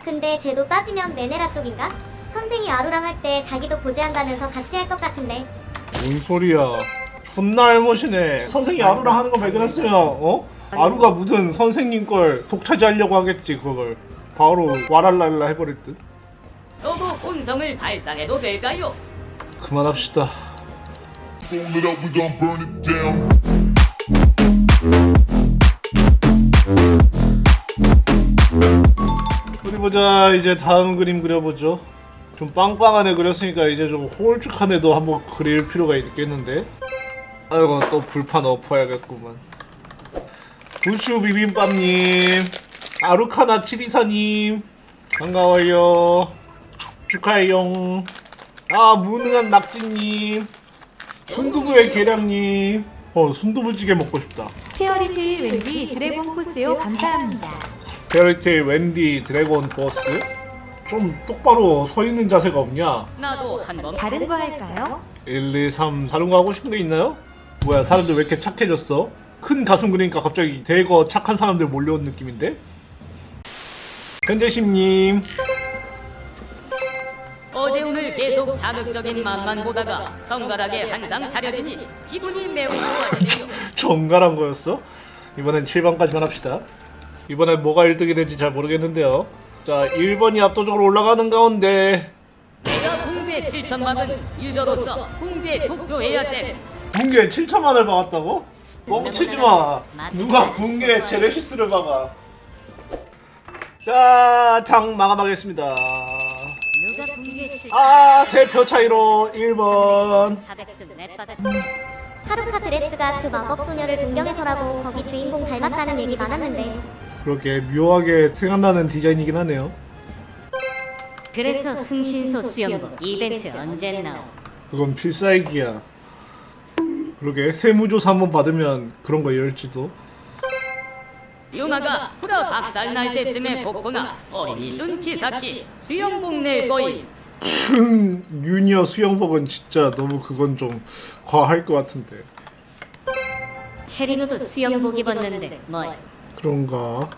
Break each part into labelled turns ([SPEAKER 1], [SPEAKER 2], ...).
[SPEAKER 1] 근데 쟤도 따지면 메네라 쪽인가? 선생이 아루랑 할 때 자기도 고지한다면서 같이 할 것 같은데.
[SPEAKER 2] 뭔 소리야. 존나 알못이네. 선생이 아루랑 하는 거 발견했으면 아루가 무슨 선생님 걸 독차지하려고 하겠지. 그걸 바로 와랄랄라 해버릴 듯.
[SPEAKER 3] 저도 혼성을 발상해도 될까요?
[SPEAKER 2] 그만합시다.
[SPEAKER 4] Fold it up, we gon' burn it down.
[SPEAKER 2] 어디 보자. 이제 다음 그림 그려보죠. 좀 빵빵한 애 그렸으니까 이제 좀 홀쭉한 애도 한번 그릴 필요가 있겠는데. 아이고 또 불판 엎어야겠구만. 부추 비빔밥님, 아루카나 치리사님 반가워요. 축하해요. 아 무능한 낙지님, 순두부의 계량님. 순두부찌개 먹고 싶다.
[SPEAKER 5] 페어리테일 웬디 드래곤 포스요 감사합니다.
[SPEAKER 2] 페어리테일 웬디 드래곤 보스. 좀 똑바로 서 있는 자세가 없냐?
[SPEAKER 3] 나도 한번
[SPEAKER 5] 다른 거 할까요?
[SPEAKER 2] 1, 2, 3 다른 거 하고 싶은 게 있나요? 뭐야 사람들 왜 이렇게 착해졌어? 큰 가슴 그리니까 갑자기 대거 착한 사람들 몰려온 느낌인데? 현재심님
[SPEAKER 3] 어제 오늘 계속 자극적인 맛만 보다가 정갈하게 한 상 차려지니 기분이 매우 좋아지네요.
[SPEAKER 2] 정갈한 거였어? 이번엔 7번까지만 합시다. 이번엔 뭐가 1등이 될지 잘 모르겠는데요. 자 1번이 압도적으로 올라가는 가운데
[SPEAKER 3] 내가 붕괴 7천막은 유저로서 붕괴 투표해야 돼.
[SPEAKER 2] 붕괴 7천만을 박았다고? 뻥치지마. 누가 붕괴 제네시스를 박아. 자 장 마감하겠습니다.
[SPEAKER 3] 누가 붕괴 7천
[SPEAKER 2] 아 3표 차이로 1번.
[SPEAKER 3] 400승 넷받았.
[SPEAKER 1] 하루카 드레스가 그 마법 소녀를 동경해서라고 거기 주인공 닮았다는 얘기 많았는데.
[SPEAKER 2] 그렇게 묘하게 생각나는 디자인이긴 하네요.
[SPEAKER 3] 그래서 흥신소 수영복 이벤트 언제 나오?
[SPEAKER 2] 그건 필살기야. 그러게 세무조사 한번 받으면 그런 거 열지도.
[SPEAKER 3] 유나가 프로 박살 날 때쯤에 복구나 어린이 슌키사키 수영복 낼 거임.
[SPEAKER 2] 춘 유니어 수영복은 진짜 너무 그건 좀 과할 것 같은데.
[SPEAKER 3] 체리노도 수영복 입었는데 뭘?
[SPEAKER 2] 그런가?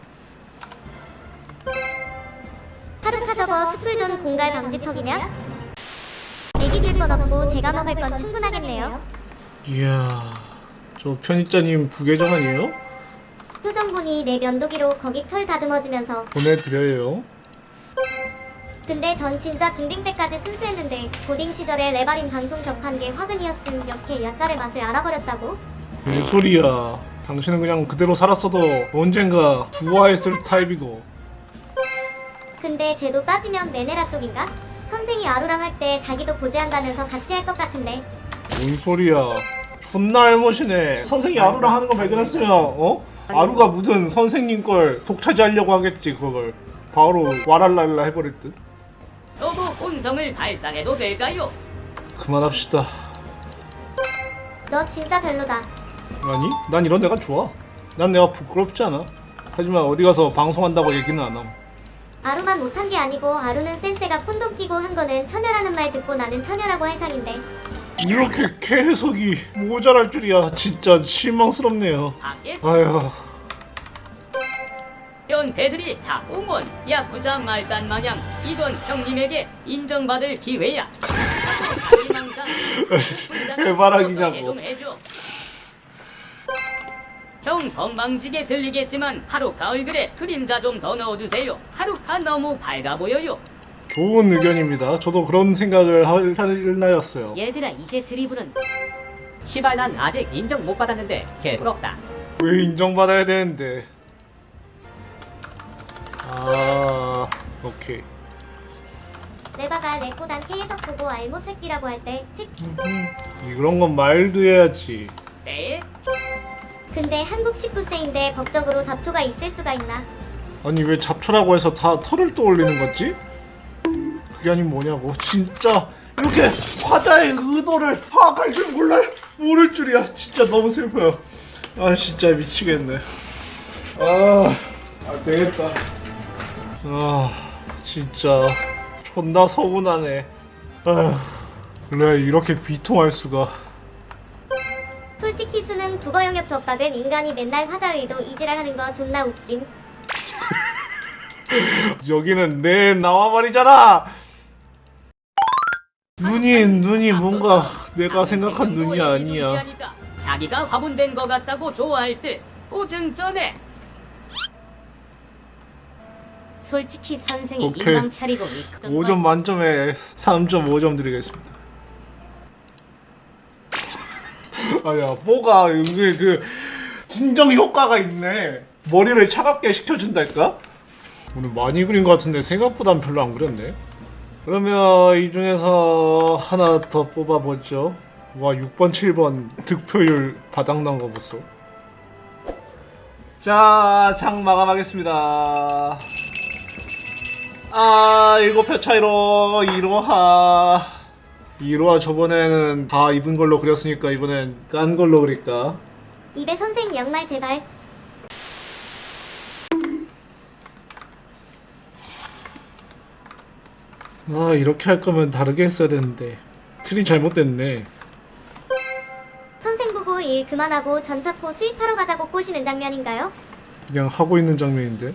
[SPEAKER 1] 하루카 저거 스쿨존 공갈 방지턱이냐? 애기 줄 건 없고 제가 먹을 건 충분하겠네요.
[SPEAKER 2] 이야 저 편집자님 부계정 아니에요?
[SPEAKER 1] 표정 보니 내 면도기로 거기 털 다듬어주면서.
[SPEAKER 2] 보내드려요.
[SPEAKER 1] 근데 전 진짜 중딩 때까지 순수했는데 고딩 시절에 레바린 방송 접한 게 화근이었음. 이렇게 약간의 맛을 알아버렸다고?
[SPEAKER 2] 뭔 소리야. 당신은 그냥 그대로 살았어도 언젠가 부화했을 타입이고.
[SPEAKER 1] 근데 쟤도 따지면 메네라 쪽인가? 선생이 아루랑 할 때 자기도 고지한다면서 같이 할 것 같은데.
[SPEAKER 2] 뭔 소리야. 존나 알못이네. 선생이 아루랑 하는 거 발견했으면 아루가 무슨 선생님 걸 독차지하려고 하겠지. 그걸 바로 와랄랄라 해버릴 듯.
[SPEAKER 3] 저도 혼성을 발상해도 될까요?
[SPEAKER 2] 그만합시다.
[SPEAKER 1] 너 진짜 별로다.
[SPEAKER 2] 아니? 난 이런 애가 좋아. 난 내가 부끄럽지 않아. 하지만 어디 가서 방송한다고 얘기는 안 함.
[SPEAKER 1] 아루만 못한 게 아니고 아루는 센세가 콘돔 끼고 한 거는 처녀라는 말 듣고 나는 처녀라고 할 상인데.
[SPEAKER 2] 이렇게 개해석이 모자랄 줄이야. 진짜 실망스럽네요.
[SPEAKER 3] 밖에
[SPEAKER 2] 아휴.
[SPEAKER 3] 변태들이 자꾸만 야쿠자 말단 마냥 이건 형님에게 인정받을 기회야.
[SPEAKER 2] 해바라기냐고.
[SPEAKER 3] 좀 해줘. 형 건방지게 들리겠지만 하루카 얼굴에 그림자 좀 더 넣어주세요. 하루카 너무 밝아 보여요.
[SPEAKER 2] 좋은 의견입니다. 저도 그런 생각을 할 나였어요.
[SPEAKER 3] 얘들아 이제 드리블은
[SPEAKER 6] 시발 난 아직 인정 못 받았는데 개부럽다.
[SPEAKER 2] 왜 인정받아야 되는데? 아, 오케이.
[SPEAKER 1] 레바가 레꼬단 K해석 보고 알못 새끼라고 할 때 특.
[SPEAKER 2] 그런 건 말도 해야지.
[SPEAKER 3] 네?
[SPEAKER 1] 근데 한국 19세인데 법적으로 잡초가 있을 수가 있나?
[SPEAKER 2] 아니 왜 잡초라고 해서 다 털을 떠올리는 거지? 그게 아니면 뭐냐고. 진짜 이렇게 화자의 의도를 파악할 줄 모를 줄이야. 진짜 너무 슬퍼요. 아 진짜 미치겠네. 안 되겠다. 진짜 존나 서운하네. 아휴, 그래 이렇게 비통할 수가.
[SPEAKER 1] 솔직히 수능 국어 영역 접박은 인간이 맨날 화자 의도 이지랄하는 거 존나 웃김.
[SPEAKER 2] 여기는 내 나와말이잖아. 눈이 뭔가 내가 생각한 눈이 아니야.
[SPEAKER 3] 자기가 화분된 거 같다고 좋아할 때 보증 전에.
[SPEAKER 7] 솔직히 선생이
[SPEAKER 2] 오케이.
[SPEAKER 7] 인방 차리고 있거든.
[SPEAKER 2] 5점 만점에 3.5점 드리겠습니다. 아야, 뭐가 은근히 그 진정 효과가 있네. 머리를 차갑게 식혀준달까? 오늘 많이 그린 것 같은데 생각보단 별로 안 그렸네. 그러면 이 중에서 하나 더 뽑아보죠. 와, 6번, 7번 득표율 바닥난 거 보소. 자, 장 마감하겠습니다. 아, 7표 차이로 이로하 저번에는 다 입은 걸로 그렸으니까 이번엔 깐 걸로 그릴까?
[SPEAKER 1] 입에 선생 양말 제발.
[SPEAKER 2] 아, 이렇게 할 거면 다르게 했어야 되는데 틀이 잘못됐네.
[SPEAKER 1] 선생 보고 일 그만하고 전차포 수입하러 가자고 꼬시는 장면인가요?
[SPEAKER 2] 그냥 하고 있는 장면인데.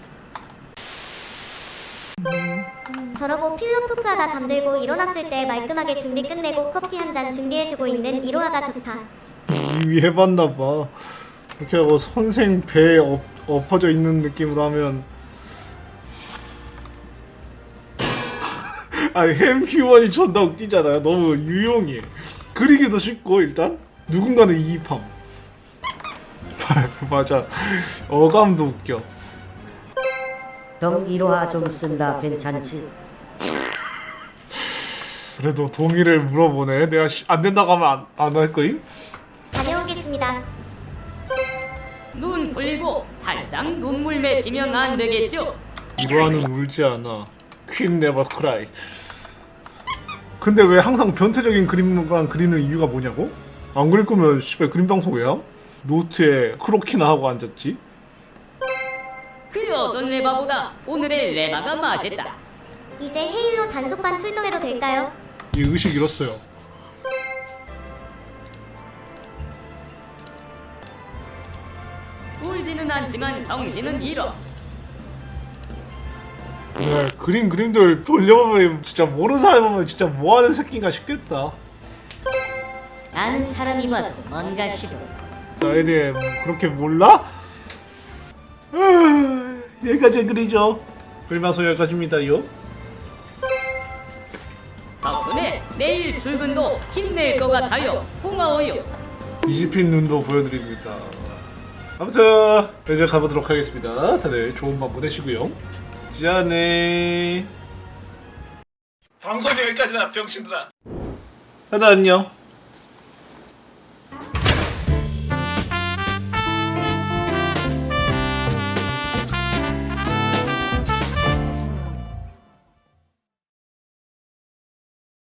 [SPEAKER 1] 저러고 필로 토크하다 잠들고 일어났을 때 말끔하게 준비 끝내고 커피 한 잔 준비해주고 있는 이로하가 좋다.
[SPEAKER 2] 이미 해봤나봐. 이렇게 하고 선생 배에 엎어져 있는 느낌으로 하면 아니, 햄 휴먼이 존나 웃기잖아요. 너무 유용해. 그리기도 쉽고 일단 누군가는 이입함. 맞아. 어감도 웃겨.
[SPEAKER 8] 형 이로하 좀 쓴다 괜찮지?
[SPEAKER 2] 그래도 동의를 물어보네. 내가 안 된다고 하면 안 할 거임?
[SPEAKER 1] 다녀오겠습니다.
[SPEAKER 3] 눈 풀리고 살짝 눈물 맺히면 안 되겠죠?
[SPEAKER 2] 이로하는 울지 않아. 퀸 네버 크라이. 근데 왜 항상 변태적인 그림만 그리는 이유가 뭐냐고? 안 그릴 거면 씨발 그림 방송 왜 함? 노트에 크로키나 하고 앉았지?
[SPEAKER 3] 그 어떤 레바보다 오늘의 레바가 맛있다.
[SPEAKER 1] 이제 헤일로 단속반 출동해도 될까요?
[SPEAKER 2] 이 의식 잃었어요.
[SPEAKER 3] 울지는 않지만 정신은 잃어.
[SPEAKER 2] 네, 그림들 돌려보면 진짜 모르는 사람 보면 진짜 뭐하는 새끼인가 싶겠다.
[SPEAKER 7] 아는 사람이 봐도 뭔가 싶어.
[SPEAKER 2] 나에 대해 뭐 그렇게 몰라? 여기까지 그리죠. 그림방송 여기까지입니다요.
[SPEAKER 3] 덕분에 내일 출근도 힘낼 것 같아요. 고마워요.
[SPEAKER 2] 이집힌 눈도 보여드립니다. 아무튼 이제 가보도록 하겠습니다. 다들 좋은 밤 보내시고요. 짠해. 방송이 여기까지나 병신들아. 다들 안녕.